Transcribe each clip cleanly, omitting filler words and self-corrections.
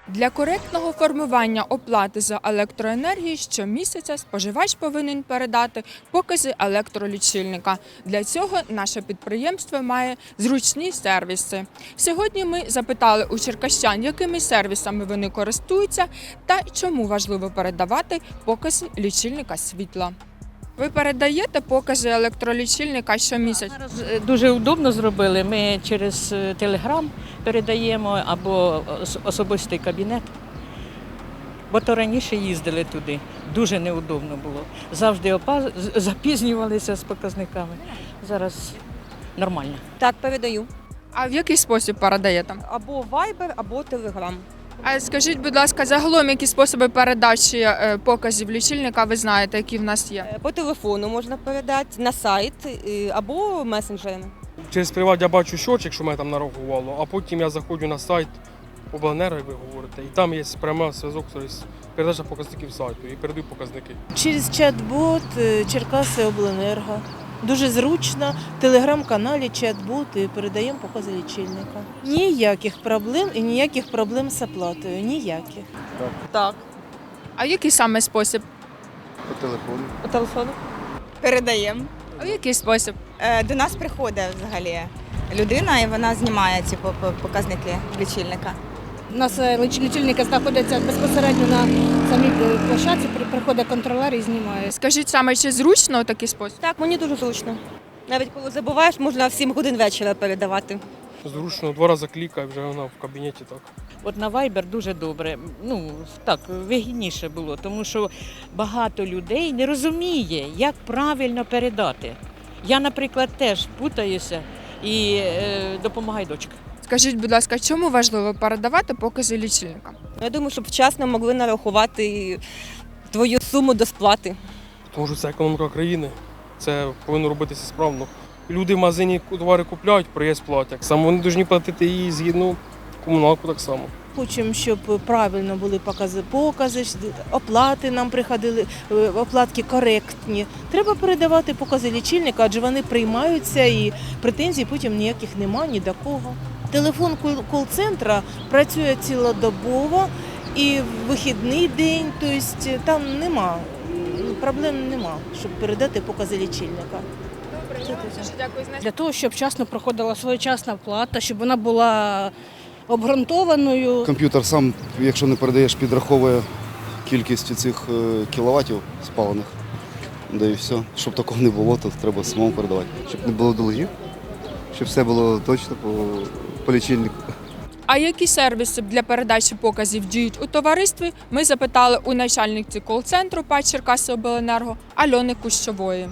Для коректного формування оплати за електроенергію щомісяця споживач повинен передати покази електролічильника. Для цього наше підприємство має зручні сервіси. Сьогодні ми запитали у черкащан, якими сервісами вони користуються та чому важливо передавати покази лічильника світла. Ви передаєте покази електролічильника щомісяця? Зараз дуже удобно зробили. Ми через Телеграм передаємо або особистий кабінет. Бо то раніше їздили туди. Дуже неудобно було. Завжди запізнювалися з показниками. Зараз нормально. Так, передаю. А в який спосіб передаєте? Або Viber, або Telegram. А скажіть, будь ласка, загалом які способи передачі показів лічильника ви знаєте, які в нас є? По телефону можна передати, на сайт або месенджерами. Через приват я бачу щочик, що мене там нарахувало, а потім я заходжу на сайт обленерго, як ви говорите, і там є прямий зв'язок, тобто передача показників сайту і передаю показники. Через чат-бот Черкаси Обленерго. Дуже зручно, в телеграм-каналі чат-бот і передаємо покази лічильника. Ніяких проблем і ніяких проблем з оплатою. Ніяких. Так. А який саме спосіб? По телефону. Передаємо. А в який спосіб? До нас приходить взагалі людина і вона знімає ці показники лічильника. У нас лічильники знаходяться безпосередньо на самій площадці, приходить контролер і знімає. Скажіть саме, чи зручно такий спосіб? Так, мені дуже зручно. Навіть коли забуваєш, можна в 7 годин вечора передавати. Зручно, 2 рази клікаю, вже вона в кабінеті так. От на Viber дуже добре, так, вигідніше було, тому що багато людей не розуміє, як правильно передати. Я, наприклад, теж путаюся і допомагає дочка. Скажіть, будь ласка, чому важливо передавати покази лічильника? Я думаю, щоб вчасно могли нарахувати твою суму до сплати. Тому що це економіка країни, це повинно робитися справно. Люди в магазині товари купляють, приїзд платять. Саме вони повинні платити її згідно комуналку так само. Хочемо, щоб правильно були покази, оплати нам приходили, оплатки коректні. Треба передавати покази лічильника, адже вони приймаються і претензій потім ніяких нема ні до кого. Телефон кол-центра працює цілодобово і в вихідний день, тобто там проблем нема, щоб передати покази лічильника. Дякую. Для того, щоб вчасно проходила своєчасна оплата, щоб вона була обґрунтованою. Комп'ютер сам, якщо не передаєш, підраховує кількість цих кіловатів спалених. Да і все. Щоб такого не було, то треба самому передавати. Щоб не було долгів, щоб все було точно по лічильнику. А які сервіси для передачі показів діють у товаристві, ми запитали у начальниці кол-центру ПАТ Черкаси Обленерго Альони Кущової.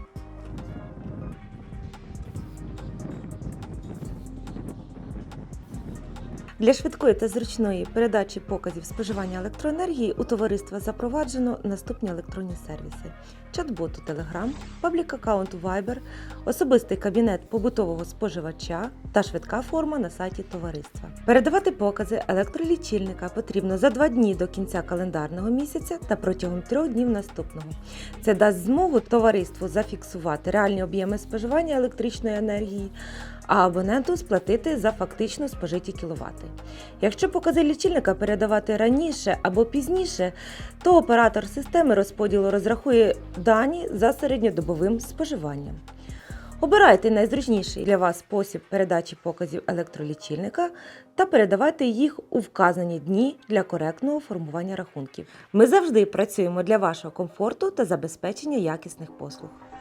Для швидкої та зручної передачі показів споживання електроенергії у товариства запроваджено наступні електронні сервіси: чат-бот у Telegram, паблік-аккаунт у Viber, особистий кабінет побутового споживача та швидка форма на сайті товариства. Передавати покази електролічильника потрібно за 2 дні до кінця календарного місяця та протягом 3 днів наступного. Це дасть змогу товариству зафіксувати реальні об'єми споживання електричної енергії, а абоненту сплатити за фактично спожиті кіловати. Якщо покази лічильника передавати раніше або пізніше, то оператор системи розподілу розрахує дані за середньодобовим споживанням. Обирайте найзручніший для вас спосіб передачі показів електролічильника та передавайте їх у вказані дні для коректного формування рахунків. Ми завжди працюємо для вашого комфорту та забезпечення якісних послуг.